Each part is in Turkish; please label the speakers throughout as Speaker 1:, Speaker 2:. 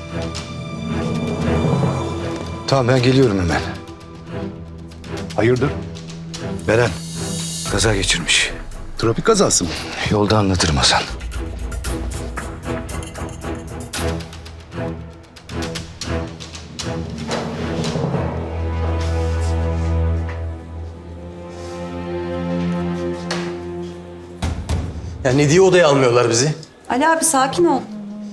Speaker 1: Tamam, ben geliyorum hemen.
Speaker 2: Hayırdır?
Speaker 1: Beren kaza geçirmiş.
Speaker 2: Trafik kazası mı?
Speaker 1: Yolda anlatırım Hasan.
Speaker 3: Ya ne diye odaya almıyorlar bizi?
Speaker 4: Ali abi sakin ol.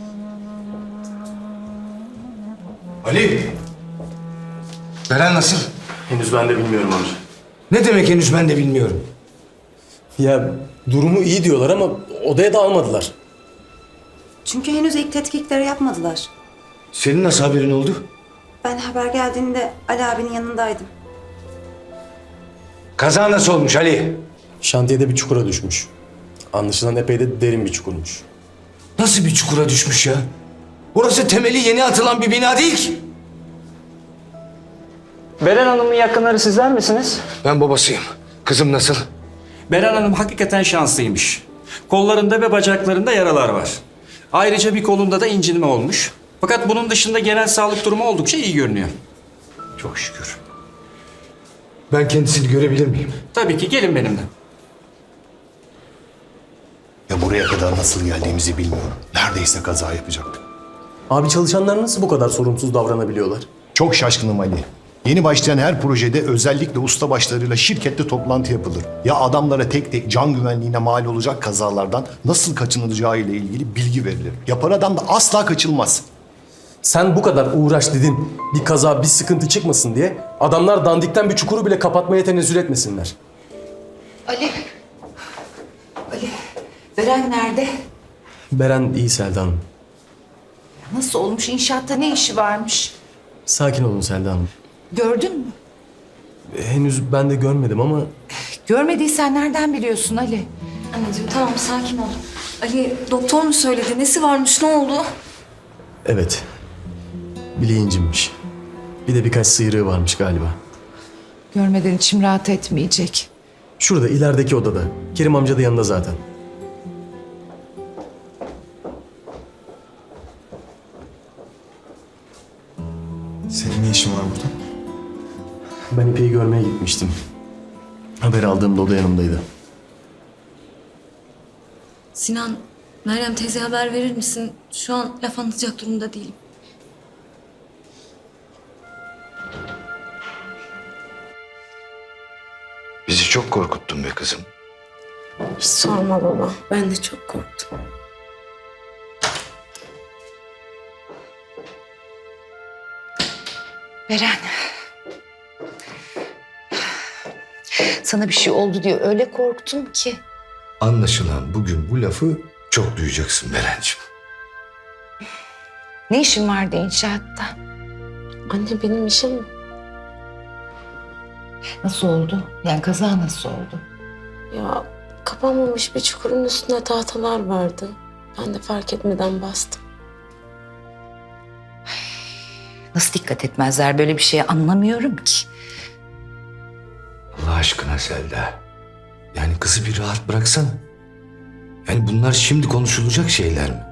Speaker 1: Ali! Beren nasıl?
Speaker 3: Henüz ben de bilmiyorum amca.
Speaker 1: Ne demek henüz ben de bilmiyorum.
Speaker 3: Ya durumu iyi diyorlar ama odaya da almadılar.
Speaker 4: Çünkü henüz ilk tetkikleri yapmadılar.
Speaker 1: Senin nasıl haberin oldu?
Speaker 4: Ben haber geldiğinde Ali abinin yanındaydım.
Speaker 1: Kaza nasıl olmuş Ali?
Speaker 3: Şantiyede bir çukura düşmüş. Anlaşılan epey de derin bir çukurmuş.
Speaker 1: Nasıl bir çukura düşmüş ya? Orası temeli yeni atılan bir bina değil ki.
Speaker 5: Beren Hanım'ın yakınları sizler misiniz?
Speaker 1: Ben babasıyım. Kızım nasıl?
Speaker 5: Beren Hanım hakikaten şanslıymış. Kollarında ve bacaklarında yaralar var. Ayrıca bir kolunda da incinme olmuş. Fakat bunun dışında genel sağlık durumu oldukça iyi görünüyor.
Speaker 1: Çok şükür. Ben kendisini görebilir miyim?
Speaker 5: Tabii ki gelin benimle.
Speaker 2: Ya buraya kadar nasıl geldiğimizi bilmiyorum. Neredeyse kaza yapacaktık.
Speaker 3: Abi çalışanlar nasıl bu kadar sorumsuz davranabiliyorlar?
Speaker 2: Çok şaşkınım Ali. Yeni başlayan her projede özellikle ustabaşlarıyla şirkette toplantı yapılır. Ya adamlara tek tek can güvenliğine mal olacak kazalardan nasıl kaçınılacağı ile ilgili bilgi verilir. Yapar adam da asla kaçılmaz.
Speaker 3: Sen bu kadar uğraş dedin, bir kaza, bir sıkıntı çıkmasın diye adamlar dandikten bir çukuru bile kapatmaya tenezzül etmesinler.
Speaker 4: Ali. Ali. Beren nerede?
Speaker 3: Beren iyi Selda Hanım.
Speaker 6: Nasıl olmuş? İnşaatta ne işi varmış?
Speaker 3: Sakin olun Selda Hanım.
Speaker 6: Gördün mü?
Speaker 3: Henüz ben de görmedim ama
Speaker 6: Görmediysen nereden biliyorsun Ali?
Speaker 4: Anneciğim tamam sakin ol. Ali doktor mu söyledi? Nesi varmış? Ne oldu?
Speaker 3: evet, bileği incinmiş. Bir de birkaç sıyrığı varmış galiba.
Speaker 6: Görmeden içim rahat etmeyecek.
Speaker 3: Şurada ilerideki odada. Kerim amca da yanında zaten.
Speaker 7: Senin ne işin var burada?
Speaker 3: Ben İpek'i görmeye gitmiştim. Haber aldığımda o da yanımdaydı.
Speaker 8: Sinan, Meryem teyze haber verir misin? Şu an laf anlatacak durumda değilim.
Speaker 1: Bizi çok korkuttun be kızım.
Speaker 8: Sorma baba. Ben de çok korktum.
Speaker 6: Beren. Sana bir şey oldu diye öyle korktum ki.
Speaker 1: Anlaşılan bugün bu lafı çok duyacaksın Berenciğim.
Speaker 6: Ne işin vardı inşaatta?
Speaker 8: Anne benim işim
Speaker 6: Nasıl oldu? Yani kaza nasıl oldu?
Speaker 8: ya kapanmamış bir çukurun üstünde tahtalar vardı. Ben de fark etmeden bastım.
Speaker 6: Nasıl dikkat etmezler böyle bir şeye anlamıyorum ki.
Speaker 1: Allah aşkına Selda. Yani kızı bir rahat bıraksana. Yani bunlar şimdi konuşulacak şeyler mi?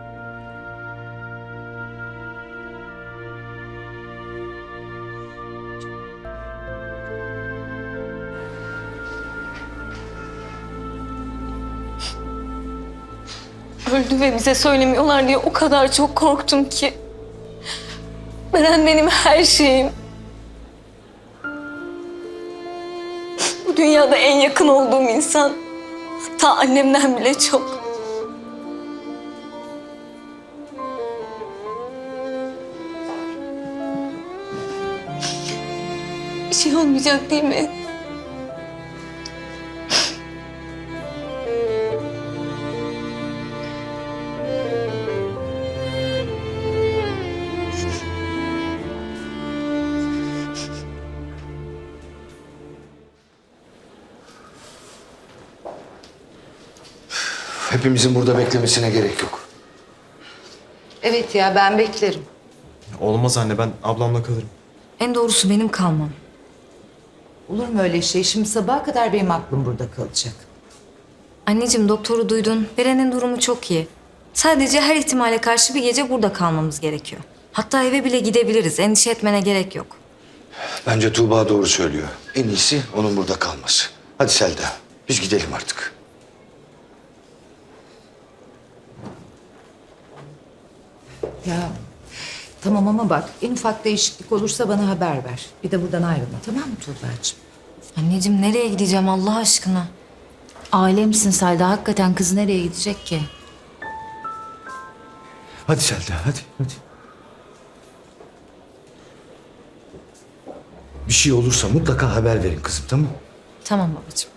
Speaker 8: Öldü ve bize söylemiyorlar diye o kadar çok korktum ki. Beren benim her şeyim. Bu dünyada en yakın olduğum insan. Hatta annemden bile çok. Bir şey olmayacak değil mi?
Speaker 1: Hepimizin burada beklemesine gerek yok.
Speaker 6: Evet ya ben beklerim.
Speaker 7: Olmaz anne, ben ablamla kalırım.
Speaker 8: En doğrusu benim kalmam.
Speaker 6: Olur mu öyle şey? Şimdi sabaha kadar benim aklım burada kalacak.
Speaker 8: Anneciğim doktoru duydun. Beren'in durumu çok iyi. Sadece her ihtimale karşı bir gece burada kalmamız gerekiyor.
Speaker 4: Hatta eve bile gidebiliriz. Endişe etmene gerek yok.
Speaker 1: Bence Tuğba doğru söylüyor. En iyisi onun burada kalması. Hadi Selda, biz gidelim artık.
Speaker 6: Ya tamam ama bak en ufak değişiklik olursa bana haber ver. Bir de buradan ayrılma, tamam mı Tuğba'cığım?
Speaker 4: Anneciğim nereye gideceğim Allah aşkına?
Speaker 6: Ailemsin Selda. Hakikaten kız nereye gidecek ki?
Speaker 1: Hadi Selda, hadi. Bir şey olursa mutlaka haber verin kızım, tamam mı?
Speaker 4: Tamam babacığım.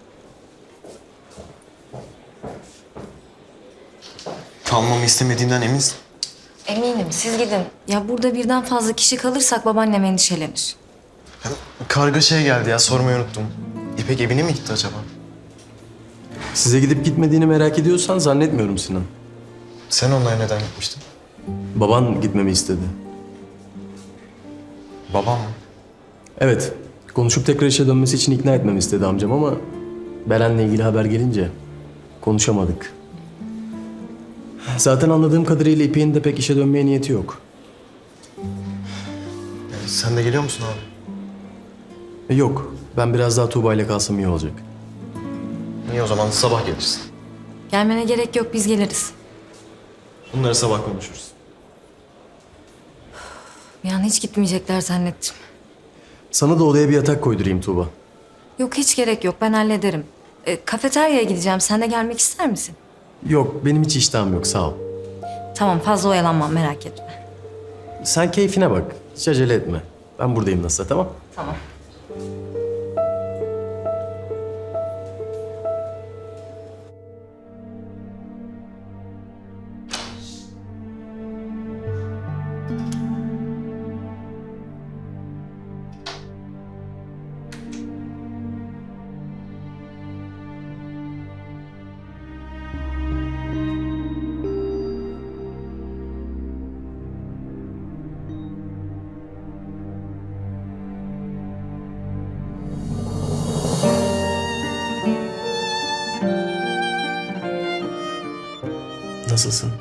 Speaker 7: Kalmamı istemediğinden eminsin.
Speaker 4: Eminim siz gidin. Ya burada birden fazla kişi kalırsak babaannem endişelenir.
Speaker 7: Kargaşaya geldi ya, sormayı unuttum. İpek evine mi gitti acaba?
Speaker 3: Size gidip gitmediğini merak ediyorsan zannetmiyorum Sinan.
Speaker 7: Sen onlara neden gitmiştin?
Speaker 3: Baban gitmemi istedi.
Speaker 7: Babam mı?
Speaker 3: Evet, konuşup tekrar işe dönmesi için ikna etmemi istedi amcam ama Beren'le ilgili haber gelince konuşamadık. Zaten anladığım kadarıyla İpek'in de pek işe dönmeye niyeti yok.
Speaker 7: Sen de geliyor musun abi?
Speaker 3: Yok, ben biraz daha Tuğba ile kalsam iyi olacak.
Speaker 7: İyi o zaman sabah gelirsin.
Speaker 4: Gelmene gerek yok biz geliriz.
Speaker 7: Bunları sabah konuşuruz.
Speaker 4: Yani hiç gitmeyecekler zannettim.
Speaker 3: Sana da odaya bir yatak koydurayım Tuğba.
Speaker 4: Yok hiç gerek yok ben hallederim. Kafeteryaya gideceğim sen de gelmek ister misin?
Speaker 3: Yok, benim hiç iştahım yok, sağ ol.
Speaker 4: Tamam fazla oyalanmam merak etme.
Speaker 3: Sen keyfine bak, hiç acele etme. Ben buradayım nasılsa, tamam?
Speaker 4: Tamam.
Speaker 3: Nasılsın?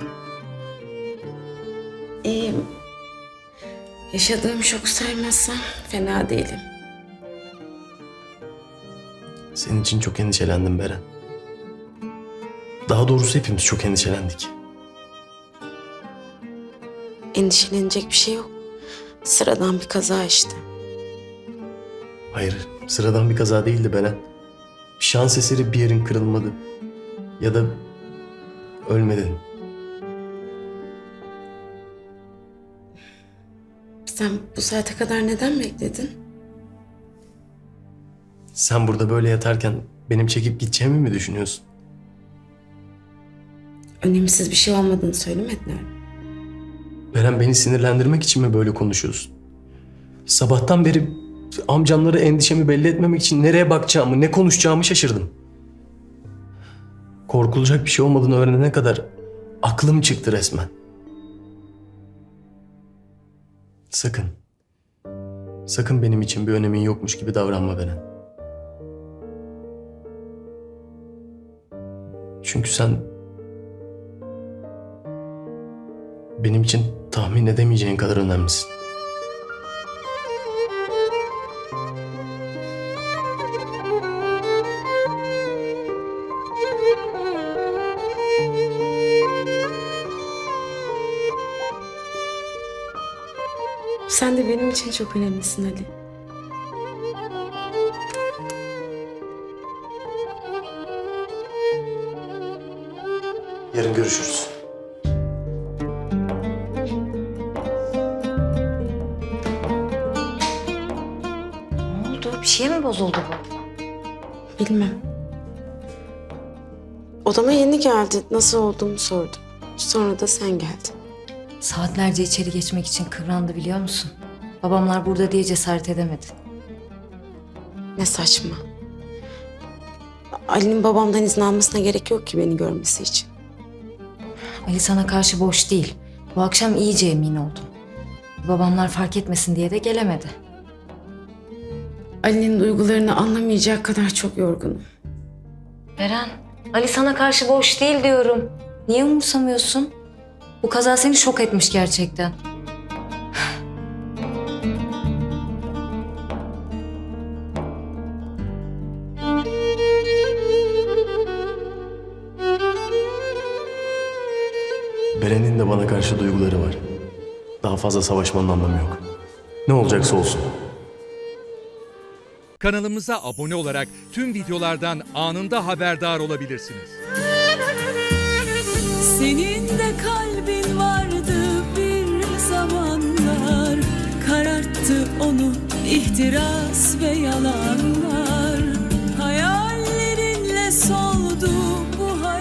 Speaker 9: İyiyim. Yaşadığım şoku saymazsam fena değilim.
Speaker 3: Senin için çok endişelendim Beren. Daha doğrusu hepimiz çok endişelendik.
Speaker 9: Endişelenecek bir şey yok. Sıradan bir kaza işte.
Speaker 3: Hayır, sıradan bir kaza değildi Beren. Bir şans eseri bir yerin kırılmadı. Ya da ölmedin.
Speaker 9: Sen bu saate kadar neden bekledin?
Speaker 3: Sen burada böyle yatarken benim çekip gideceğimi mi düşünüyorsun?
Speaker 9: Önemsiz bir şey olmadığını söylemediler mi?
Speaker 3: Beren, beni sinirlendirmek için mi böyle konuşuyorsun? Sabahtan beri amcamlara endişemi belli etmemek için nereye bakacağımı, ne konuşacağımı şaşırdım. Korkulacak bir şey olmadığını öğrenene kadar aklım çıktı resmen. Sakın. Sakın benim için bir önemin yokmuş gibi davranma Beren. Çünkü sen benim için tahmin edemeyeceğin kadar önemlisin.
Speaker 9: Sen de benim için çok önemlisin Ali.
Speaker 3: Yarın görüşürüz.
Speaker 4: Ne oldu? Bir şey mi bozuldu bu?
Speaker 9: Bilmem. Odama yeni geldi. Nasıl olduğumu sordu. Sonra da sen geldin.
Speaker 4: Saatlerce içeri geçmek için kıvrandı biliyor musun? Babamlar burada diye cesaret edemedi.
Speaker 9: Ne saçma. Ali'nin babamdan izin almasına gerek yok ki beni görmesi için.
Speaker 4: Ali sana karşı boş değil. Bu akşam iyice emin oldum. Babamlar fark etmesin diye de gelemedi.
Speaker 9: Ali'nin duygularını anlamayacak kadar çok yorgunum.
Speaker 4: Beren, Ali sana karşı boş değil diyorum. Niye umursamıyorsun? Bu kaza seni şok etmiş gerçekten.
Speaker 3: Beren'in de bana karşı duyguları var. Daha fazla savaşmanın anlamı yok. Ne olacaksa olsun.
Speaker 10: Kanalımıza abone olarak tüm videolardan anında haberdar olabilirsiniz.
Speaker 11: Senin de kalbin vardı bir zamanlar, kararttı onu ihtiras ve yalan.